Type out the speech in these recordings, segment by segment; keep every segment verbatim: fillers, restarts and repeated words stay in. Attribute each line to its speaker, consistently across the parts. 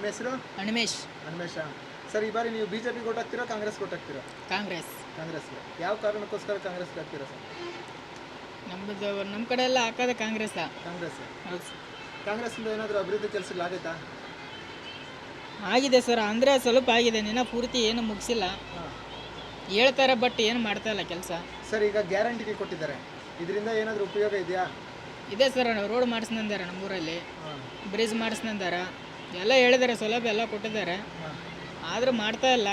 Speaker 1: ಹೆಸರು
Speaker 2: ಹನುಮೇಶ್.
Speaker 1: ಹನುಮೇಶ ಸರ್. ಈ ಬಾರಿ ನೀವು ಬಿಜೆಪಿ ಓಟ್ ಹಾಕ್ತೀರಾ ಕಾಂಗ್ರೆಸ್ ಓಟ್ ಹಾಕ್ತೀರಾ?
Speaker 2: ಕಾಂಗ್ರೆಸ್.
Speaker 1: ಕಾಂಗ್ರೆಸ್ಗೆ. ಯಾವ ಕಾರಣಕ್ಕೋಸ್ಕರ ಕಾಂಗ್ರೆಸ್ಗೆ ಹಾಕ್ತೀರಾ ಸರ್?
Speaker 2: ನಮ್ಮದು ನಮ್ಮ ಕಡೆ ಎಲ್ಲ ಹಾಕೋದು ಕಾಂಗ್ರೆಸ್.
Speaker 1: ಕಾಂಗ್ರೆಸ್.
Speaker 2: ಹೌದು.
Speaker 1: ಕಾಂಗ್ರೆಸ್ಸಿಂದ ಏನಾದರೂ ಅಭಿವೃದ್ಧಿ ಕೆಲಸಗಳಾಗೈತಾ?
Speaker 2: ಆಗಿದೆ ಸರ್, ಅಂದರೆ ಸ್ವಲ್ಪ ಆಗಿದೆ, ನಿನ್ನ ಪೂರ್ತಿ ಏನು ಮುಗಿಸಿಲ್ಲ.
Speaker 1: ಹಾಂ
Speaker 2: ಹೇಳ್ತಾರೆ ಬಟ್ ಏನು ಮಾಡ್ತಾ ಇಲ್ಲ ಕೆಲಸ.
Speaker 1: ಸರ್, ಈಗ ಗ್ಯಾರಂಟಿಗೆ ಕೊಟ್ಟಿದ್ದಾರೆ, ಇದರಿಂದ ಏನಾದರೂ ಉಪಯೋಗ ಇದೆಯಾ?
Speaker 2: ಇದೆ ಸರ್, ರೋಡ್ ಮಾಡಿಸ್ನಂದಾರೆ ನಮ್ಮೂರಲ್ಲಿ,
Speaker 1: ಹಾಂ
Speaker 2: ಬ್ರಿಡ್ಜ್ ಮಾಡಿಸ್ನಂದಾರ, ಎಲ್ಲ ಹೇಳಿದ್ದಾರೆ, ಸೌಲಭ್ಯ ಎಲ್ಲ ಕೊಟ್ಟಿದ್ದಾರೆ.
Speaker 1: ಹಾಂ
Speaker 2: ಆದರೂ ಮಾಡ್ತಾ ಇಲ್ಲ.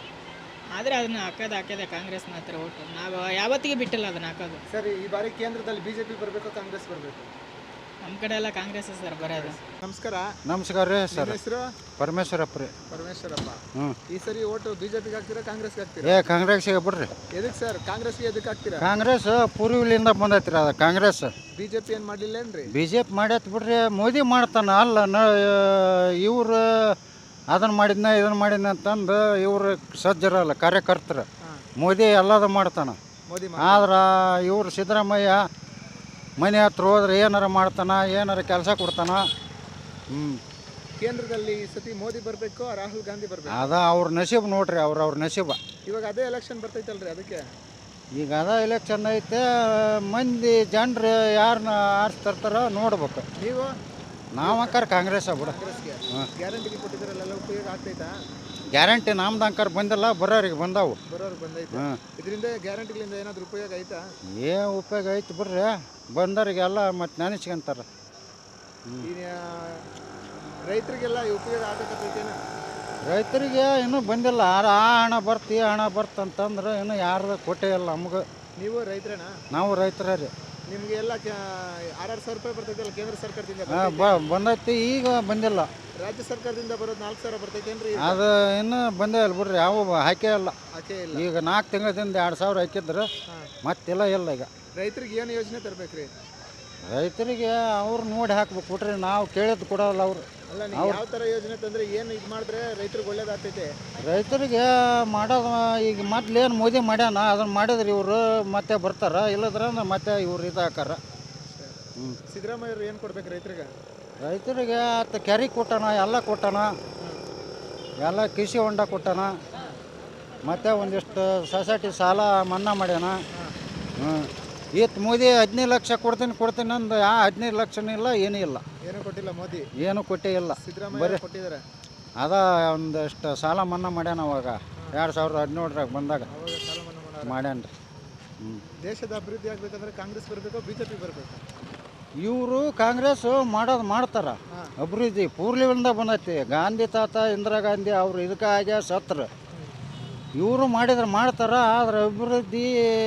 Speaker 2: ಆದರೆ ಅದನ್ನು ಹಾಕೋದು ಹಾಕೋದೆ ಕಾಂಗ್ರೆಸ್ ಮಾತ್ರ ಓಟು. ನಾವು ಯಾವತ್ತಿಗೆ ಬಿಟ್ಟಿಲ್ಲ ಅದನ್ನು ಹಾಕೋದು.
Speaker 1: ಸರ್, ಈ ಬಾರಿ ಕೇಂದ್ರದಲ್ಲಿ ಬಿಜೆಪಿ ಬರಬೇಕು ಕಾಂಗ್ರೆಸ್ ಬರಬೇಕು?
Speaker 2: ನಮ್ಮ ಕಡೆ ಎಲ್ಲ ಕಾಂಗ್ರೆಸ್ ಸರ್ ಬರೋದು.
Speaker 1: ನಮಸ್ಕಾರ.
Speaker 3: ನಮಸ್ಕಾರ ರೀ ಸರ್.
Speaker 1: ಹೆಸರು?
Speaker 3: ಪರಮೇಶ್ವರಪ್ಪ ರೀ.
Speaker 1: ಪರಮೇಶ್ವರಪ್ಪ.
Speaker 3: ಹ್ಞೂ.
Speaker 1: ಈ ಸರಿ ಓಟು ಬಿಜೆಪಿಗೆ ಹಾಕ್ತೀರಾ ಕಾಂಗ್ರೆಸ್ಗೆ ಹಾಕ್ತೀರಾ?
Speaker 3: ಏ ಕಾಂಗ್ರೆಸ್ಗೆ ಬಿಡ್ರಿ.
Speaker 1: ಎದಕ್ಕೆ ಸರ್ ಕಾಂಗ್ರೆಸ್ಗೆ ಎದಕ್ಕೆ ಹಾಕ್ತೀರಾ?
Speaker 3: ಕಾಂಗ್ರೆಸ್ ಪೂರ್ವಿಲಿಂದ ಬಂದೈತಿ ರೀ ಅದು ಕಾಂಗ್ರೆಸ್.
Speaker 1: ಬಿಜೆಪಿ ಏನು ಮಾಡಲಿಲ್ಲೇನ್ರಿ?
Speaker 3: ಬಿ ಜೆ ಪಿ ಮಾಡೈತಿ ಬಿಡ್ರಿ, ಮೋದಿ ಮಾಡ್ತಾನ ಅಲ್ಲ ನ ಇವ್ರು ಅದನ್ನು ಮಾಡಿದ್ನ ಇದನ್ನು ಮಾಡಿದ್ನ ಅಂತಂದು ಇವ್ರು ಸಜ್ಜರಲ್ಲ ಕಾರ್ಯಕರ್ತರು. ಮೋದಿ ಎಲ್ಲದ ಮಾಡ್ತಾನೆ.
Speaker 1: ಮೋದಿ
Speaker 3: ಆದ್ರೆ ಇವ್ರು ಸಿದ್ದರಾಮಯ್ಯ ಮನೆ ಹತ್ರ ಹೋದ್ರೆ ಏನಾರ ಮಾಡ್ತಾನ, ಏನಾರ ಕೆಲಸ ಕೊಡ್ತಾನ. ಹ್ಞೂ.
Speaker 1: ಕೇಂದ್ರದಲ್ಲಿ ಈ ಸತಿ ಮೋದಿ ಬರಬೇಕು ರಾಹುಲ್ ಗಾಂಧಿ ಬರಬೇಕು?
Speaker 3: ಅದ ಅವ್ರ ನಸೀಬ್ ನೋಡ್ರಿ, ಅವ್ರ ಅವ್ರ ನಸೀಬ.
Speaker 1: ಇವಾಗ ಅದೇ ಎಲೆಕ್ಷನ್ ಬರ್ತೈತಲ್ರಿ, ಅದಕ್ಕೆ
Speaker 3: ಈಗ ಅದ ಎಲೆಕ್ಷನ್ ಐತೆ, ಮಂದಿ ಜನರು ಯಾರನ್ನ ಆರಿಸ್ತಿರ್ತಾರೋ ನೋಡ್ಬೇಕು.
Speaker 1: ನೀವು
Speaker 3: ನಾವು ಅಂಕಾರ ಕಾಂಗ್ರೆಸ್ ಬಿಡ.
Speaker 1: ಕಾಂಗ್ರೆಸ್ಗೆ ಗ್ಯಾರಂಟಿಗೆ ಕೊಟ್ಟಿದ್ದಾರಲ್ಲ, ಉಪಯೋಗ ಆಗ್ತೈತಾ?
Speaker 3: ಗ್ಯಾರಂಟಿ ನಮ್ದು ಅಂಕಾರ ಬಂದಿಲ್ಲ, ಬರೋರಿಗೆ ಬಂದಾವು.
Speaker 1: ಬರೋರು ಬಂದೈತೆ.
Speaker 3: ಹಾಂ.
Speaker 1: ಇದರಿಂದ ಗ್ಯಾರಂಟಿಗಳಿಂದ ಏನಾದರೂ ಉಪಯೋಗ ಆಯ್ತಾ?
Speaker 3: ಏನು ಉಪಯೋಗ ಐತಿ ಬಿಡ್ರಿ, ಬಂದವರಿಗೆಲ್ಲ ಮತ್ತೆ ನೆನೆಸ್ಕೊಂತಾರೆ.
Speaker 1: ಈ ರೈತರಿಗೆಲ್ಲ ಈ ಉಪಯೋಗ ಆಗಕತ್ತೈತೇನ?
Speaker 3: ರೈತರಿಗೆ ಇನ್ನೂ ಬಂದಿಲ್ಲ. ಆ ಆ ಹಣ ಬರ್ತಿ ಈ ಹಣ ಬರ್ತಂತಂದ್ರೆ ಇನ್ನೂ ಯಾರ್ದು ಕೊಟ್ಟೇ ಇಲ್ಲ ನಮ್ಗೆ.
Speaker 1: ನೀವು ರೈತರೇನಾ?
Speaker 3: ನಾವು ರೈತರ ರೀ.
Speaker 1: ನಿಮಗೆ ಎಲ್ಲ ಆರಾರು ಸಾವಿರ ರೂಪಾಯಿ ಬರ್ತೈತಲ್ಲ ಕೇಂದ್ರ ಸರ್ಕಾರದಿಂದ?
Speaker 3: ಹಾಂ ಬ ಬಂದೈತಿ, ಈಗ ಬಂದಿಲ್ಲ.
Speaker 1: ರಾಜ್ಯ ಸರ್ಕಾರದಿಂದ ಬರೋದು ನಾಲ್ಕು ಸಾವಿರ ಬರ್ತೈತೇನ್ರಿ?
Speaker 3: ಅದು ಇನ್ನೂ ಬಂದೇ ಇಲ್ಲ ಬಿಡ್ರಿ, ಯಾವ ಹಾಕೇ ಇಲ್ಲ.
Speaker 1: ಆಚೆ ಇಲ್ಲ.
Speaker 3: ಈಗ ನಾಲ್ಕು ತಿಂಗಳಿಂದ ಎರಡು ಸಾವಿರ ಹಾಕಿದ್ರು,
Speaker 1: ಹಾಂ.
Speaker 3: ಮತ್ತಿಲ್ಲ ಇಲ್ಲ ಈಗ.
Speaker 1: ರೈತರಿಗೆ ಏನು ಯೋಜನೆ ತರಬೇಕ್ರಿ?
Speaker 3: ರೈತರಿಗೆ ಅವ್ರು ನೋಡಿ ಹಾಕ್ಬೇಕು ಬಿಟ್ರಿ, ನಾವು ಕೇಳಿದ್ದು ಕೊಡೋಲ್ಲ ಅವರು.
Speaker 1: ಅಲ್ಲ, ನೀವು ಯಾವ ಥರ ಯೋಜನೆ ತಂದರೆ ಏನು ಇದು ಮಾಡಿದ್ರೆ ರೈತರಿಗೆ ಒಳ್ಳೇದಾಗ್ತೈತೆ?
Speaker 3: ರೈತರಿಗೆ ಮಾಡೋದು ಈಗ ಮೊದ್ಲೇನು ಮೋದಿ ಮಾಡ್ಯಾನ ಅದನ್ನು ಮಾಡಿದ್ರೆ ಇವರು ಮತ್ತೆ ಬರ್ತಾರ, ಇಲ್ಲದ್ರ ಮತ್ತೆ ಇವ್ರು ಇದು ಹಾಕಾರ. ಹ್ಞೂ.
Speaker 1: ಸಿದ್ದರಾಮಯ್ಯವ್ರು ಏನು ಕೊಡ್ಬೇಕು ರೈತರಿಗೆ?
Speaker 3: ರೈತರಿಗೆ ಆತ ಕೆರೆ ಕೊಟ್ಟಾನ, ಎಲ್ಲ ಕೊಟ್ಟಾನ, ಎಲ್ಲ ಕೃಷಿ ಹೊಂಡ ಕೊಟ್ಟಾನ, ಮತ್ತು ಒಂದಿಷ್ಟು ಸೊಸೈಟಿ ಸಾಲ ಮನ್ನಾ ಮಾಡ್ಯಾನ. ಹ್ಞೂ. ಈತ್ ಮೋದಿ ಹದಿನೈದು ಲಕ್ಷ ಕೊಡ್ತೀನಿ ಕೊಡ್ತೀನಿ ಅಂದು ಆ ಹದಿನೈದು ಲಕ್ಷನೂ ಇಲ್ಲ, ಏನೂ ಇಲ್ಲ.
Speaker 1: ಏನೂ ಕೊಟ್ಟಿಲ್ಲ ಮೋದಿ?
Speaker 3: ಏನೂ ಕೊಟ್ಟೇ ಇಲ್ಲ.
Speaker 1: ಸಿದ್ದರಾಮಯ್ಯ ಕೊಟ್ಟಿದ್ದಾರೆ.
Speaker 3: ಅದ ಒಂದಷ್ಟು ಸಾಲ ಮನ್ನಾ ಮಾಡ್ಯಾನ ಅವಾಗ ಎರಡು ಸಾವಿರದ ಹದಿನೇಳರಾಗ ಬಂದಾಗ
Speaker 1: ಅವಾಗ ಸಾಲ ಮನ್ನಾ ಮಾಡೋರು.
Speaker 3: ಮಾಡ್ಯಾನ ರೀ. ಹ್ಞೂ.
Speaker 1: ದೇಶದ ಅಭಿವೃದ್ಧಿ ಆಗಬೇಕಂದ್ರೆ ಕಾಂಗ್ರೆಸ್ ಬರಬೇಕು ಬಿಜೆಪಿ ಬರಬೇಕು?
Speaker 3: ಇವರು ಕಾಂಗ್ರೆಸ್ ಮಾಡೋದು ಮಾಡ್ತಾರ.
Speaker 1: ಹಾಂ.
Speaker 3: ಅಭಿವೃದ್ಧಿ ಪೂರ್ಲಿಂದ ಬಂದೈತಿ. ಗಾಂಧಿ ತಾತ ಇಂದಿರಾ ಗಾಂಧಿ ಅವರು ಇದಕ್ಕೆ ಆಗ್ಯ ಸತ್ರ. ಇವರು ಮಾಡಿದ್ರೆ ಮಾಡ್ತಾರ, ಆದ್ರೆ ಅಭಿವೃದ್ಧಿ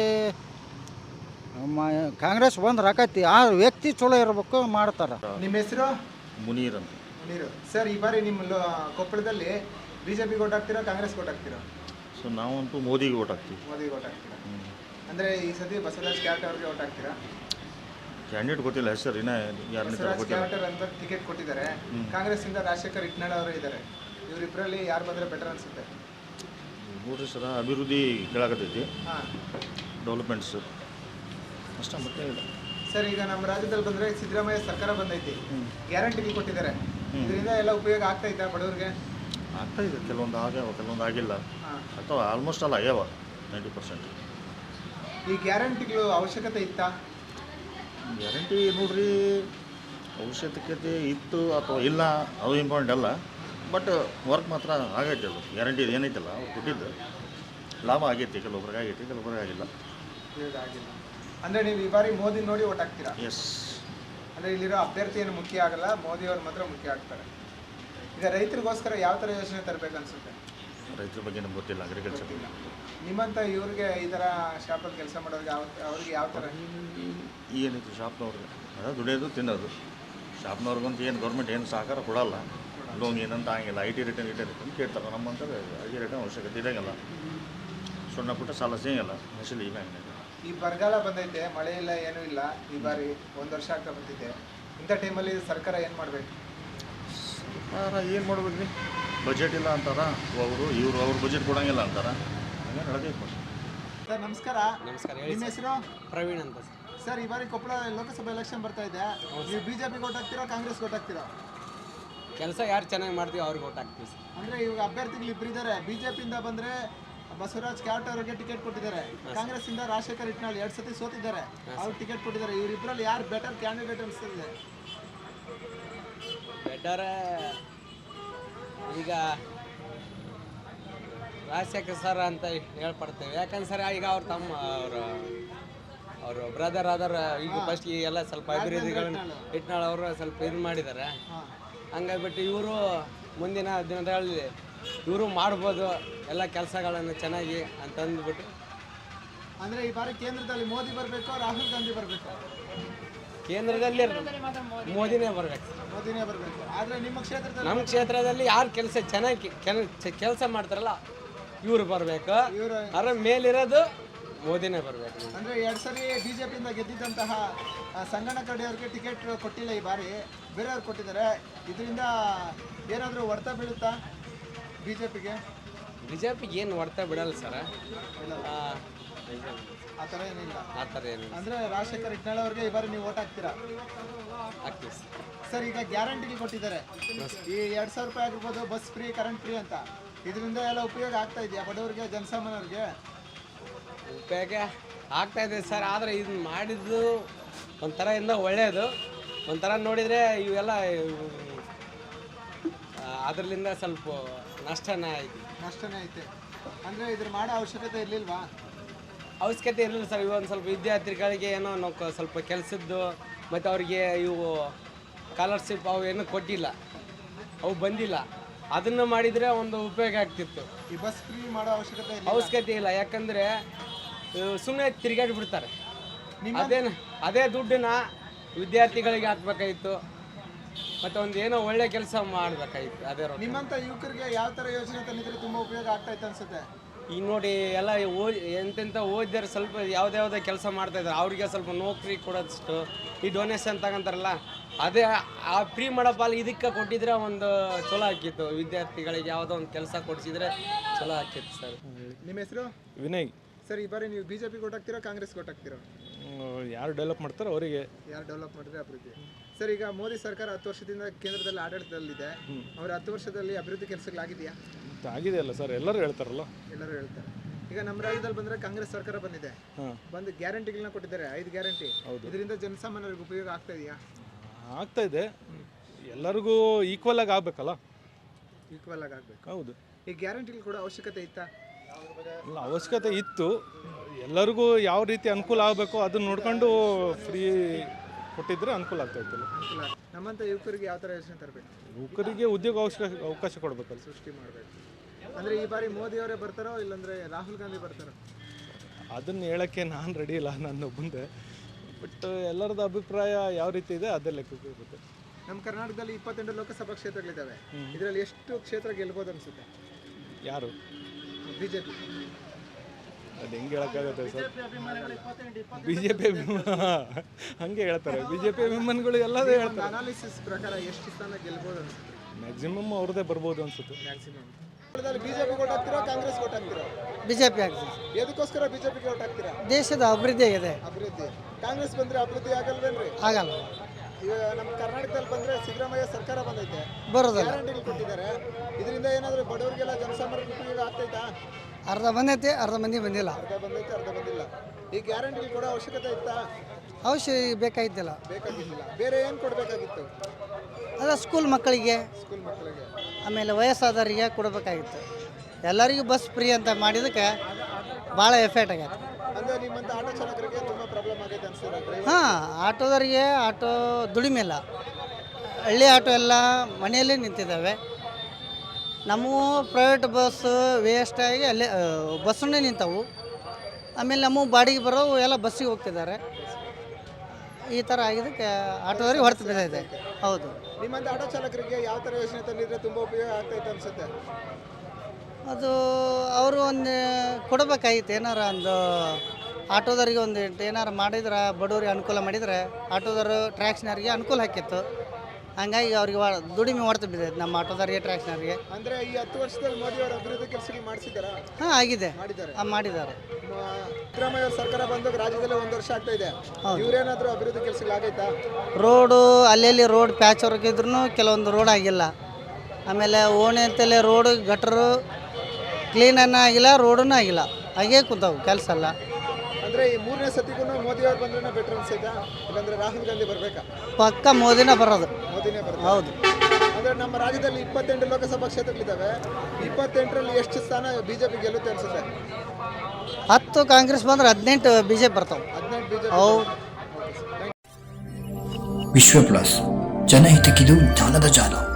Speaker 3: ಮ ಕಾಂಗ್ರೆಸ್ ಬಂದ್ರೆ ಆಕೈತಿ. ಆ ವ್ಯಕ್ತಿ ಚಲೋ ಇರ್ಬೇಕು, ಮಾಡ್ತಾರ.
Speaker 1: ನಿಮ್ಮ ಹೆಸರು?
Speaker 4: ಮುನೀರ್ ಅಂತ.
Speaker 1: ನೀರು. ಸರ್, ಈ ಬಾರಿ ನಿಮ್ಮ ಲೋ- ಕೊಪ್ಪಳದಲ್ಲಿ ಬಿಜೆಪಿಗೆ ಓಟ್ ಹಾಕ್ತೀರಾ ಕಾಂಗ್ರೆಸ್ ಓಟ್ ಹಾಕ್ತೀರಾ?
Speaker 4: ಸೊ ನಾವಂತೂ ಮೋದಿಗೆ ಓಟ್ ಹಾಕ್ತೀವಿ.
Speaker 1: ಮೋದಿಗೆ ಓಟ್ ಹಾಕ್ತೀರಾ? ಅಂದರೆ ಈ ಸತಿ ಬಸವರಾಜ್ ಕ್ಯಾಟ್ ಅವ್ರಿಗೆ ಓಟ್ ಹಾಕ್ತೀರಾ?
Speaker 4: ಕ್ಯಾಂಡಿಡೇಟ್ ಗೊತ್ತಿಲ್ಲ, ಹೆಸರು ಇನ್ನೂ ಯಾರನ್ನ
Speaker 1: ಬಸವರಾಜ್
Speaker 4: ಗೊತ್ತಿಲ್ಲ.
Speaker 1: ಕ್ಯಾಟ್ ಅಂತ ಟಿಕೆಟ್ ಕೊಟ್ಟಿದ್ದಾರೆ. ಕಾಂಗ್ರೆಸ್ಸಿಂದ ರಾಜಶೇಖರ್ ಇಟ್ನಾಳ್ ಅವರು ಇದ್ದಾರೆ. ಇವರಿಬ್ಬರಲ್ಲಿ ಯಾರು ಬಂದರೆ ಬೆಟರ್ ಅನಿಸುತ್ತೆ?
Speaker 4: ನೋಡ್ರಿ ಸರ, ಅಭಿವೃದ್ಧಿ ಕೇಳಾಕತ್ತೈತಿ,
Speaker 1: ಹಾಂ.
Speaker 4: ಡೆವಲಪ್ಮೆಂಟ್ಸ್ ಅಷ್ಟ ಮತ್ತೆ ಇಲ್ಲ.
Speaker 1: ಸರ್, ಈಗ ನಮ್ಮ ರಾಜ್ಯದಲ್ಲಿ ಬಂದರೆ ಸಿದ್ದರಾಮಯ್ಯ ಸರ್ಕಾರ ಬಂದೈತಿ, ಗ್ಯಾರಂಟಿಗೆ ಕೊಟ್ಟಿದ್ದಾರೆ. ಇದರಿಂದ ಎಲ್ಲ ಉಪಯೋಗ ಆಗ್ತೈತಾ ಬಡವ್ರಿಗೆ?
Speaker 4: ಆಗ್ತಾ ಇದೆ, ಕೆಲವೊಂದು ಆಗ್ಯಾವ, ಕೆಲವೊಂದು ಆಗಿಲ್ಲ,
Speaker 1: ಹಾಂ.
Speaker 4: ಅಥವಾ ಆಲ್ಮೋಸ್ಟ್ ಅಲ್ಲ ಆಗ್ಯಾವ ನೈಂಟಿ ಪರ್ಸೆಂಟ್.
Speaker 1: ಈ ಗ್ಯಾರಂಟಿಗಳು ಅವಶ್ಯಕತೆ ಇತ್ತಾ?
Speaker 4: ಗ್ಯಾರಂಟಿ ನೋಡ್ರಿ, ಅವಶ್ಯಕತೆ ಇತ್ತು ಅಥವಾ ಇಲ್ಲ ಅದು ಇಂಪಾರ್ಟೆಂಟ್ ಅಲ್ಲ, ಬಟ್ ವರ್ಕ್ ಮಾತ್ರ ಆಗೈತೆ. ಅದು ಗ್ಯಾರಂಟಿ ಏನೈತಲ್ಲ ಅವ್ರು ಕೊಟ್ಟಿದ್ದು ಲಾಭ ಆಗೈತಿ, ಕೆಲವೊಬ್ರಿಗೆ ಆಗೈತಿ, ಕೆಲವೊಬ್ರಿಗೆ ಆಗಿಲ್ಲ.
Speaker 1: ಉಪಯೋಗ ಆಗಿಲ್ಲ ಅಂದರೆ ನೀವು ಈ ಬಾರಿ ಮೋದಿ ನೋಡಿ ಓಟ್ ಹಾಕ್ತೀರಾ?
Speaker 4: ಎಸ್.
Speaker 1: ಅಂದರೆ ಇಲ್ಲಿರೋ ಅಭ್ಯರ್ಥಿ ಏನು ಮುಖ್ಯ ಆಗಲ್ಲ, ಮೋದಿ ಅವರು ಮಾತ್ರ ಮುಖ್ಯ ಆಗ್ತಾರೆ. ಈಗ ರೈತರಿಗೋಸ್ಕರ ಯಾವ ಥರ ಯೋಜನೆ ತರಬೇಕು ಅನಿಸುತ್ತೆ?
Speaker 4: ರೈತರ ಬಗ್ಗೆ ನಮ್ಗೆ ಗೊತ್ತಿಲ್ಲ, ಅಗ್ರಿಕಲ್ಚರ್.
Speaker 1: ಗೊತ್ತಿಲ್ಲ. ನಿಮ್ಮಂಥ ಇವ್ರಿಗೆ ಈ ಥರ ಶಾಪಲ್ಲಿ ಕೆಲಸ ಮಾಡೋರಿಗೆ ಯಾವ ಅವ್ರಿಗೆ ಯಾವ ಥರ?
Speaker 4: ಏನೈತಿ ಶಾಪ್ನವ್ರಿಗೆ ಅದ ದುಡಿಯೋದು ತಿನ್ನೋದು. ಶಾಪ್ನವ್ರಿಗಂತ ಏನು ಗೌರ್ಮೆಂಟ್ ಏನು ಸಹಕಾರ ಕೊಡಲ್ಲ, ಲೋನ್ ಏನಂತ ಆಗಿಲ್ಲ. I T return return return ಕೇಳ್ತಾರೆ. ನಮ್ಮಂತ ಐ ಟಿ ರಿಟರ್ನ್ ಅವಶ್ಯಕತೆ ಇರೋಂಗಿಲ್ಲ, ಸಣ್ಣ ಪುಟ್ಟ ಸಾಲ ಸಿಗಂಗಿಲ್ಲ. ನೆಸಲಿ ಇಲ್ಲ.
Speaker 1: ಈ ಬರಗಾಲ ಬಂದೈತೆ, ಮಳೆ ಇಲ್ಲ, ಏನೂ ಇಲ್ಲ. ಈ ಬಾರಿ ಒಂದು ವರ್ಷ ಆಗ್ತಾ ಬಂದಿದೆ. ಇಂಥ ಟೈಮಲ್ಲಿ ಸರ್ಕಾರ ಏನು ಮಾಡಬೇಕು?
Speaker 4: ಸರ್ಕಾರ ಏನು ಮಾಡ್ಬೇಕು ರೀ? ಬಜೆಟ್ ಇಲ್ಲ ಅಂತಾರ ಅವರು, ಇವರು ಅವ್ರ ಬಜೆಟ್ ಕೊಡೋಂಗಿಲ್ಲ ಅಂತಾರ. ಹಂಗೆ ನಡೆದೈತೆ.
Speaker 1: ಸರ್, ನಮಸ್ಕಾರ.
Speaker 5: ನಮಸ್ಕಾರ.
Speaker 1: ನಿಮ್ಮ ಹೆಸರು?
Speaker 5: ಪ್ರವೀಣ್ ಅಂತ ಸರ್.
Speaker 1: ಸರ್, ಈ ಬಾರಿ ಕೊಪ್ಪಳ ಲೋಕಸಭಾ ಎಲೆಕ್ಷನ್ ಬರ್ತಾ ಇದೆ. ನೀವು ಬಿಜೆಪಿಗೆ ಓಟ್ ಹಾಕ್ತೀರಾ ಕಾಂಗ್ರೆಸ್ ಓಟ್ ಹಾಕ್ತೀರಾ?
Speaker 5: ಕೆಲಸ ಯಾರು ಚೆನ್ನಾಗಿ ಮಾಡ್ತೀವಿ ಅವ್ರಿಗೆ ಓಟ್ ಹಾಕ್ತೀವಿ ಸರ್.
Speaker 1: ಅಂದ್ರೆ ಇವಾಗ ಅಭ್ಯರ್ಥಿಗಳು ಇಬ್ರು ಇದ್ದಾರೆ. ಬಿಜೆಪಿಯಿಂದ ಬಂದ್ರೆ ಬಸವರಾಜ್ ಕ್ಯಾಟ್ ಅವರಿಗೆ ಟಿಕೆಟ್ ಕೊಟ್ಟಿದ್ದಾರೆ. ಕಾಂಗ್ರೆಸ್ ಇಂದ ರಾಜಶೇಖರ್ ಇಟ್ನಾಳ್ ಎರಡ್ ಸತಿ ಸೋತಿದ್ದಾರೆ, ಅವ್ರು ಟಿಕೆಟ್ ಕೊಟ್ಟಿದ್ದಾರೆ. ಇವರಿಬ್ಬರಲ್ಲಿ ಯಾರು ಬೆಟರ್ ಕ್ಯಾಂಡಿಡೇಟ್ ಅನಿಸ್ತಿದೆ?
Speaker 5: ಬೆಟರ್ ಈಗ ರಾಜಶೇಖರ್ ಸರ್ ಅಂತ ಹೇಳ್ಪಡ್ತೇವೆ. ಯಾಕಂದ್ರೆ ಸರ್ ಈಗ ಅವ್ರ ತಮ್ಮ ಅವ್ರ ಅವರು ಬ್ರದರ್ ಆದರ ಈಗ ಫಸ್ಟ್ ಎಲ್ಲ ಸ್ವಲ್ಪ ಅಭಿವೃದ್ಧಿಗಳನ್ನ ಇಟ್ನಾಳ್ ಅವರು ಸ್ವಲ್ಪ ಇದು ಮಾಡಿದ್ದಾರೆ. ಹಂಗಾಗ್ಬಿಟ್ಟು ಇವರು ಮುಂದಿನ ದಿನಗಳಲ್ಲಿ ಇವರು ಮಾಡ್ಬೋದು ಎಲ್ಲ ಕೆಲಸಗಳನ್ನು ಚೆನ್ನಾಗಿ ಅಂತಂದ್ಬಿಟ್ಟು.
Speaker 1: ಅಂದ್ರೆ ಈ ಬಾರಿ ಕೇಂದ್ರದಲ್ಲಿ ಮೋದಿ ಬರಬೇಕು, ರಾಹುಲ್ ಗಾಂಧಿ ಬರಬೇಕು?
Speaker 5: ಕೇಂದ್ರದಲ್ಲಿ ಮೋದಿನೇ ಬರಬೇಕು.
Speaker 1: ಮೋದಿನೇ ಬರಬೇಕು. ಆದ್ರೆ ನಿಮ್ಮ ಕ್ಷೇತ್ರದಲ್ಲಿ
Speaker 5: ನಮ್ಮ ಕ್ಷೇತ್ರದಲ್ಲಿ ಯಾರು ಕೆಲಸ ಚೆನ್ನಾಗಿ ಕೆಲಸ ಮಾಡ್ತಾರಲ್ಲ ಇವರು ಬರಬೇಕು.
Speaker 1: ಇವರು
Speaker 5: ಅದರ ಮೇಲಿರೋದು ಮೋದಿನೇ ಬರಬೇಕು.
Speaker 1: ಅಂದ್ರೆ ಎರಡ್ ಸರಿ ಬಿಜೆಪಿಯಿಂದ ಗೆದ್ದಿದ್ದಂತಹ ಆ, ಸಂಗಣ್ಣ ಕರಡಿ ಅವ್ರಿಗೆ ಟಿಕೆಟ್ ಕೊಟ್ಟಿಲ್ಲ, ಈ ಬಾರಿ ಬೇರೆಯವ್ರು ಕೊಟ್ಟಿದ್ದಾರೆ. ಇದರಿಂದ ಏನಾದರೂ ಹೊಡೆತ ಬೀಳುತ್ತಾ ಬಿಜೆಪಿಗೆ?
Speaker 5: ಬಿ ಜೆ ಪಿಗೆ ಏನು ಹೊಡ್ತಾ ಬಿಡಲ್ಲ ಸರ,
Speaker 1: ಆ ಥರ ಏನಿಲ್ಲ.
Speaker 5: ಆ ಥರ ಏನು
Speaker 1: ಅಂದ್ರೆ ರಾಜಶೇಖರ್ ಇಟ್ನಾಳ್ ಅವ್ರಿಗೆ ಈ ಬಾರಿ ನೀವು ಓಟ್ ಹಾಕ್ತೀರಾ?
Speaker 5: ಆಗ್ತೀವಿ ಸರ್.
Speaker 1: ಸರ್, ಈಗ ಗ್ಯಾರಂಟಿಗಳು ಕೊಟ್ಟಿದ್ದಾರೆ. ಈ ಎರಡ್ ಸಾವಿರ ರೂಪಾಯಿ ಆಗಿರ್ಬೋದು, ಬಸ್ ಫ್ರೀ, ಕರೆಂಟ್ ಫ್ರೀ ಅಂತ. ಇದರಿಂದ ಎಲ್ಲ ಉಪಯೋಗ ಆಗ್ತಾ ಇದೆಯಾ ಬಡವರಿಗೆ, ಜನಸಾಮಾನ್ಯರಿಗೆ?
Speaker 5: ಉಪಯೋಗ ಆಗ್ತಾ ಇದೆ ಸರ್. ಆದರೆ ಇದನ್ನ ಮಾಡಿದ್ದು ಒಂಥರ ಇಂದ ಒಳ್ಳೆಯದು. ಒಂಥರ ನೋಡಿದರೆ ಇವೆಲ್ಲ ಅದರಿಂದ ಸ್ವಲ್ಪ ನಷ್ಟನೇ ಆಯ್ತು.
Speaker 1: ನಷ್ಟನೇ ಐತೆ. ಅಂದ್ರೆ ಇದ್ರ ಮಾಡೋ ಅವಶ್ಯಕತೆ ಇರ್ಲಿಲ್ವಾ?
Speaker 5: ಅವಶ್ಯಕತೆ ಇರಲಿಲ್ಲ ಸರ್. ಇವೊಂದು ಸ್ವಲ್ಪ ವಿದ್ಯಾರ್ಥಿಗಳಿಗೆ ಏನೋ ನಾವು ಕ- ಸ್ವಲ್ಪ ಕೆಲಸದ್ದು ಮತ್ತು ಅವರಿಗೆ ಇವು ಸ್ಕಾಲರ್ಶಿಪ್ ಅವು ಏನೂ ಕೊಟ್ಟಿಲ್ಲ, ಅವು ಬಂದಿಲ್ಲ. ಅದನ್ನು ಮಾಡಿದರೆ ಒಂದು ಉಪಯೋಗ ಆಗ್ತಿತ್ತು.
Speaker 1: ಈ ಬಸ್ ಫ್ರೀ ಮಾಡೋ ಅವಶ್ಯಕತೆ ಇಲ್ಲ.
Speaker 5: ಅವಶ್ಯಕತೆ ಇಲ್ಲ, ಯಾಕಂದರೆ ಸುಮ್ಮನೆ ತಿರುಗಾಡಿ ಬಿಡ್ತಾರೆ. ಅದೇನು ಅದೇ ದುಡ್ಡನ್ನ ವಿದ್ಯಾರ್ಥಿಗಳಿಗೆ ಹಾಕ್ಬೇಕಾಗಿತ್ತು, ಮತ್ತು ಒಂದು ಏನೋ ಒಳ್ಳೆ ಕೆಲಸ ಮಾಡಬೇಕಾಗಿತ್ತು. ಅದೇ ರೊಕ್ಕ.
Speaker 1: ನಿಮ್ಮಂತ ಯುವಕರಿಗೆ ಯಾವ ತರ ಯೋಜನೆ ತಂದಿದ್ರೆ ತುಂಬಾ ಉಪಯೋಗ ಆಗ್ತಾ ಇತ್ತು ಅನ್ಸುತ್ತೆ?
Speaker 5: ಈಗ ನೋಡಿ ಎಲ್ಲ ಓದಿ ಎಂತೆಂಥ ಓದಿದ್ರೆ ಸ್ವಲ್ಪ ಯಾವುದ್ಯಾವುದೇ ಕೆಲಸ ಮಾಡ್ತಾಯಿದ್ದಾರೆ, ಅವ್ರಿಗೆ ಸ್ವಲ್ಪ ನೌಕರಿ ಕೊಡೋದಷ್ಟು ಈ ಡೊನೇಷನ್ ತಗೊಂತಾರಲ್ಲ, ಅದೇ ಆ ಫ್ರೀ ಮಾಡೋ ಪಾಲು ಇದಕ್ಕೆ ಕೊಟ್ಟಿದ್ರೆ ಒಂದು ಚಲೋ ಆಕಿತ್ತು. ವಿದ್ಯಾರ್ಥಿಗಳಿಗೆ ಯಾವುದೋ ಒಂದು ಕೆಲಸ ಕೊಡಿಸಿದ್ರೆ ಚಲೋ ಆಕಿತ್ತು ಸರ್.
Speaker 1: ನಿಮ್ಮ ಹೆಸರು?
Speaker 6: ವಿನಯ್.
Speaker 1: ಸರ್, ಈ ಬಾರಿ ನೀವು ಬಿಜೆಪಿ ಕೊಟ್ಟಾಗ್ತೀರಾ, ಕಾಂಗ್ರೆಸ್ ಕೊಟ್ಟಾಗ್ತೀರಾ?
Speaker 6: ಯಾರು ಡೆವಲಪ್ ಮಾಡ್ತಾರೋ ಅವರಿಗೆ.
Speaker 1: ಯಾರು ಡೆವಲಪ್ ಮಾಡಿದ್ರೆ ಅಭಿವೃದ್ಧಿ. ಸರ್, ಈಗ ಮೋದಿ ಸರ್ಕಾರ ಹತ್ತು ವರ್ಷದಿಂದ ಕೇಂದ್ರದಲ್ಲಿ ಆಡಳಿತದಲ್ಲಿದೆ. ಅವರ ಹತ್ತು ವರ್ಷದಲ್ಲಿ ಅಭಿವೃದ್ಧಿ ಕೆಲಸಗಳಾಗಿದೆಯಾ?
Speaker 6: ಆಗಿದೆ ಅಲ್ಲ ಸರ್, ಎಲ್ಲರೂ ಹೇಳ್ತಾರಲ್ಲ.
Speaker 1: ಎಲ್ಲರೂ ಹೇಳ್ತಾರೆ. ಈಗ ನಮ್ಮ ರಾಜ್ಯದಲ್ಲಿ ಬಂದ್ರೆ ಕಾಂಗ್ರೆಸ್ ಸರ್ಕಾರ ಬಂದಿದೆ,
Speaker 6: ಹಾಂ,
Speaker 1: ಬಂದು ಗ್ಯಾರಂಟಿಗಳನ್ನ ಕೊಟ್ಟಿದ್ದಾರೆ, ಐದು ಗ್ಯಾರಂಟಿ.
Speaker 6: ಹೌದು.
Speaker 1: ಇದರಿಂದ ಜನಸಾಮಾನ್ಯರಿಗೆ ಉಪಯೋಗ ಆಗ್ತಾ ಇದೆಯಾ?
Speaker 6: ಆಗ್ತಾ ಇದೆ. ಎಲ್ಲರಿಗೂ ಈಕ್ವಲ್ ಆಗಿ ಆಗ್ಬೇಕಲ್ಲ.
Speaker 1: ಈಕ್ವಲ್ ಆಗಿ ಆಗ್ಬೇಕು.
Speaker 6: ಹೌದು.
Speaker 1: ಈ ಗ್ಯಾರಂಟಿಗಳು ಕೂಡ ಅವಶ್ಯಕತೆ ಇತ್ತಾ?
Speaker 6: ಇಲ್ಲ, ಅವಶ್ಯಕತೆ ಇತ್ತು. ಎಲ್ಲರಿಗೂ ಯಾವ ರೀತಿ ಅನುಕೂಲ ಆಗಬೇಕೋ ಅದನ್ನ ನೋಡ್ಕೊಂಡು ಫ್ರೀ ಕೊಟ್ಟಿದ್ರೆ ಅನುಕೂಲ ಆಗ್ತಾ ಇತ್ತಲ್ಲ.
Speaker 1: ಅನುಕೂಲ. ನಮ್ಮಂತ ಯುವಕರಿಗೆ ಯಾವ ಥರ ಯೋಚನೆ ತರಬೇಕು?
Speaker 6: ಯುವಕರಿಗೆ ಉದ್ಯೋಗ ಅವಕಾಶ ಅವಕಾಶ ಕೊಡಬೇಕಲ್ಲ.
Speaker 1: ಸೃಷ್ಟಿ ಮಾಡಬೇಕು. ಅಂದರೆ ಈ ಬಾರಿ ಮೋದಿ ಅವರೇ ಬರ್ತಾರೋ ಇಲ್ಲಾಂದ್ರೆ ರಾಹುಲ್ ಗಾಂಧಿ ಬರ್ತಾರೋ?
Speaker 6: ಅದನ್ನು ಹೇಳೋಕ್ಕೆ ನಾನು ರೆಡಿ ಇಲ್ಲ ನನ್ನ ಮುಂದೆ. ಬಟ್ ಎಲ್ಲರದ್ದು ಅಭಿಪ್ರಾಯ ಯಾವ ರೀತಿ ಇದೆ ಅದೇ ಲೆಕ್ಕಕ್ಕೆ ಇರುತ್ತೆ.
Speaker 1: ನಮ್ಮ ಕರ್ನಾಟಕದಲ್ಲಿ ಇಪ್ಪತ್ತೆಂಟು ಲೋಕಸಭಾ ಕ್ಷೇತ್ರಗಳಿದ್ದಾವೆ. ಇದರಲ್ಲಿ ಎಷ್ಟು ಕ್ಷೇತ್ರ ಗೆಲ್ಬೋದು ಅನ್ಸುತ್ತೆ?
Speaker 6: ಯಾರು?
Speaker 1: ಬಿಜೆಪಿ.
Speaker 6: ಅದು ಹೆಂಗೆ ಹೇಳೋಕ್ಕಾಗುತ್ತೆ ಸರ್? ಬಿ ಜೆ ಪಿ ಹಂಗೆ ಹೇಳ್ತಾರೆ. ಬಿ ಜೆ ಪಿ ಅಭಿಮಾನಿಗಳು ಎಲ್ಲದೇ ಹೇಳ್ತಾರೆ.
Speaker 1: ಅನಾಲಿಸಿಸ್ ಪ್ರಕಾರ ಎಷ್ಟು ಸ್ಥಾನ ಗೆಲ್ಬೋದು ಅನ್ಸುತ್ತೆ?
Speaker 6: ಮ್ಯಾಕ್ಸಿಮಮ್ ಅವ್ರದ್ದೇ ಬರ್ಬೋದು ಅನ್ಸುತ್ತೆ.
Speaker 1: ಮ್ಯಾಕ್ಸಿಮಮ್. ಬಿಜೆಪಿ ಓಟ್ ಹಾಕ್ತೀರಾ, ಕಾಂಗ್ರೆಸ್ ಓಟ್ ಹಾಕ್ತೀರಾ?
Speaker 7: ಬಿಜೆಪಿ ಆಗ್ತದೆ.
Speaker 1: ಎದಕ್ಕೋಸ್ಕರ ಬಿಜೆಪಿಗೆ ಓಟ್ ಹಾಕ್ತೀರಾ?
Speaker 7: ದೇಶದ ಅಭಿವೃದ್ಧಿ ಆಗಿದೆ.
Speaker 1: ಅಭಿವೃದ್ಧಿ. ಕಾಂಗ್ರೆಸ್ ಬಂದ್ರೆ ಅಭಿವೃದ್ಧಿ ಆಗಲ್ವೇನ್ರಿ?
Speaker 7: ಆಗಲ್ಲ.
Speaker 1: ಈಗ ನಮ್ಮ ಕರ್ನಾಟಕದಲ್ಲಿ ಬಂದ್ರೆ ಸಿದ್ದರಾಮಯ್ಯ ಸರ್ಕಾರ ಬಂದೈತೆ,
Speaker 7: ಬರೋದಲ್ಲ.
Speaker 1: ಗ್ಯಾರಂಟಿಗಳು ಕೊಟ್ಟಿದ್ದಾರೆ. ಇದರಿಂದ ಏನಾದರೂ ಬಡವರಿಗೆಲ್ಲ ಜನಸಾಮಾನ್ಯರಿಗೆ ಉಪಯೋಗ ಆಗ್ತೈತಾ?
Speaker 7: ಅರ್ಧ ಬಂದೈತೆ, ಅರ್ಧ ಮಂದಿ ಬಂದಿಲ್ಲ.
Speaker 1: ಅರ್ಧ ಬಂದೈತೆ, ಅರ್ಧ ಬಂದಿಲ್ಲ. ಈ ಗ್ಯಾರಂಟಿಗಳು ಕೊಡೋ ಅವಶ್ಯಕತೆ ಇತ್ತಾ?
Speaker 7: ಅವಶ್ಯ ಬೇಕಾಗಿದ್ದಿಲ್ಲ.
Speaker 1: ಬೇಕಾಗಿದ್ದಿಲ್ಲ. ಬೇರೆ ಏನು ಕೊಡಬೇಕಾಗಿತ್ತು?
Speaker 7: ಅದ ಸ್ಕೂಲ್ ಮಕ್ಕಳಿಗೆ,
Speaker 1: ಸ್ಕೂಲ್ ಮಕ್ಕಳಿಗೆ,
Speaker 7: ಆಮೇಲೆ ವಯಸ್ಸಾದವರಿಗೆ ಕೊಡಬೇಕಾಗಿತ್ತು. ಎಲ್ಲರಿಗೂ ಬಸ್ ಫ್ರೀ ಅಂತ ಮಾಡಿದಕ್ಕೆ ಭಾಳ ಎಫೆಕ್ಟ್ ಆಗೈತೆ.
Speaker 1: ಅಂದ್ರೆ ನಿಮ್ಮಂತ ಆಟೋ ಚಾಲಕರಿಗೆ ತುಂಬಾ ಪ್ರಾಬ್ಲಮ್ ಆಗೈತೆ ಅನ್ಸಿದ್ರೆ?
Speaker 7: ಹಾಂ, ಆಟೋದವರಿಗೆ ಆಟೋ ದುಡಿಮೆಲ್ಲ. ಹಳ್ಳಿ ಆಟೋ ಎಲ್ಲ ಮನೆಯಲ್ಲೇ ನಿಂತಿದ್ದಾವೆ. ನಮ್ಮ ಪ್ರೈವೇಟ್ ಬಸ್ ವೇಸ್ಟಾಗಿ ಅಲ್ಲೇ ಬಸ್ಸನ್ನೇ ನಿಂತವು. ಆಮೇಲೆ ನಮ್ಮ ಬಾಡಿಗೆ ಬರೋವು ಎಲ್ಲ ಬಸ್ಸಿಗೆ ಹೋಗ್ತಿದ್ದಾರೆ. ಈ ಥರ ಆಗಿದ್ದಕ್ಕೆ ಆಟೋದವ್ರಿಗೆ ಹೊರತು ಬಿದ್ದಿದೆ. ಹೌದು.
Speaker 1: ನಿಮ್ಮಂತ ಆಟೋ ಚಾಲಕರಿಗೆ ಯಾವ ಥರ ಯೋಜನೆ ತಂದಿದ್ರೆ ತುಂಬ ಉಪಯೋಗ ಆಗ್ತೈತೆ ಅನ್ಸುತ್ತೆ?
Speaker 7: ಅದು ಅವರು ಒಂದು ಕೊಡಬೇಕಾಗಿತ್ತು. ಏನಾರ ಒಂದು ಆಟೋದವ್ರಿಗೆ ಒಂದು ಏನಾರು ಮಾಡಿದ್ರೆ, ಬಡವರಿಗೆ ಅನುಕೂಲ ಮಾಡಿದರೆ ಆಟೋದವರು ಟ್ಯಾಕ್ಸ್ನವ್ರಿಗೆ ಅನುಕೂಲ ಆಕಿತ್ತು. ಹಂಗಾಗಿ ಅವ್ರಿಗೆ ವ- ದುಡಿಮೆ ಹೊಡ್ತು ಬಿದ್ದೈತೆ ನಮ್ಮ ಆಟೋದವ್ರಿಗೆ ಟ್ರ್ಯಾಕ್ಟರ್ಗೆ.
Speaker 1: ಅಂದ್ರೆ ಈ ಹತ್ತು ವರ್ಷದಲ್ಲಿ ಮೋದಿ ಅವರು ಅಭಿವೃದ್ಧಿ ಕೆಲಸಗಳು ಮಾಡಿಸಿದಾರಾ?
Speaker 7: ಹಾಂ ಆಗಿದೆ,
Speaker 1: ಮಾಡಿದ್ದಾರೆ.
Speaker 7: ಆ, ಮಾಡಿದ್ದಾರೆ.
Speaker 1: ಮ- ಸಿದ್ದರಾಮಯ್ಯ ಅವ್ರ ಸರ್ಕಾರ ಬಂದಾಗ ರಾಜ್ಯದಲ್ಲಿ ಒಂದು ವರ್ಷ ಆಗ್ತಾ ಇದೆ. ಇವ್ರೇನಾದ್ರೂ ಅಭಿವೃದ್ಧಿ ಕೆಲಸಗಳು ಆಗೈತಾ?
Speaker 7: ರೋಡು ಅಲ್ಲೆಲ್ಲಿ ರೋಡ್ ಪ್ಯಾಚ್ ವರ್ಕ್ ಇದ್ರೂ ಕೆಲವೊಂದು ರೋಡ್ ಆಗಿಲ್ಲ. ಆಮೇಲೆ ಓಣಿ ಅಂತಲೇ ರೋಡು ಗಟ್ರು ಕ್ಲೀನನ್ನು ಆಗಿಲ್ಲ, ರೋಡೂ ಆಗಿಲ್ಲ, ಹಾಗೇ ಕೂತಾವು ಕೆಲಸ ಎಲ್ಲ.
Speaker 1: ಅಂದ್ರೆ ಈ ಮೂರನೇ ಸತಿಗೂ ಮೋದಿ ಅವ್ರು ಬಂದ್ರೆ ಬೆಟರ್ ಅನ್ಸೈತಾ, ಇಲ್ಲಾಂದ್ರೆ ರಾಹುಲ್ ಗಾಂಧಿ ಬರ್ಬೇಕಾ?
Speaker 7: ಪಕ್ಕ ಮೋದಿನೇ ಬರೋದು.
Speaker 1: ಮೋದಿನೇ ಬರ್ತಾರೆ.
Speaker 7: ಹೌದು.
Speaker 1: ಅಂದ್ರೆ ನಮ್ಮ ರಾಜ್ಯದಲ್ಲಿ ಇಪ್ಪತ್ತೆಂಟು ಲೋಕಸಭಾ ಕ್ಷೇತ್ರಗಳಿದ್ದಾವೆ. ಇಪ್ಪತ್ತೆಂಟರಲ್ಲಿ ಎಷ್ಟು ಸ್ಥಾನ ಬಿಜೆಪಿ ಗೆಲ್ಲುತ್ತೆ ಅನ್ಸುತ್ತೆ?
Speaker 7: ಹತ್ತು ಕಾಂಗ್ರೆಸ್ ಬಂದ್ರೆ ಹದಿನೆಂಟು ಬಿ ಜೆ ಪಿ ಬರ್ತಾವೆ.
Speaker 1: ಹದಿನೆಂಟು ಬಿಜೆಪಿ.
Speaker 7: ಹೌದು.
Speaker 8: ವಿಶ್ವ ಪ್ಲಸ್ ಜನಹಿತಕ್ಕಿದು ಜ್ಞಾನದ ಜಾಲ.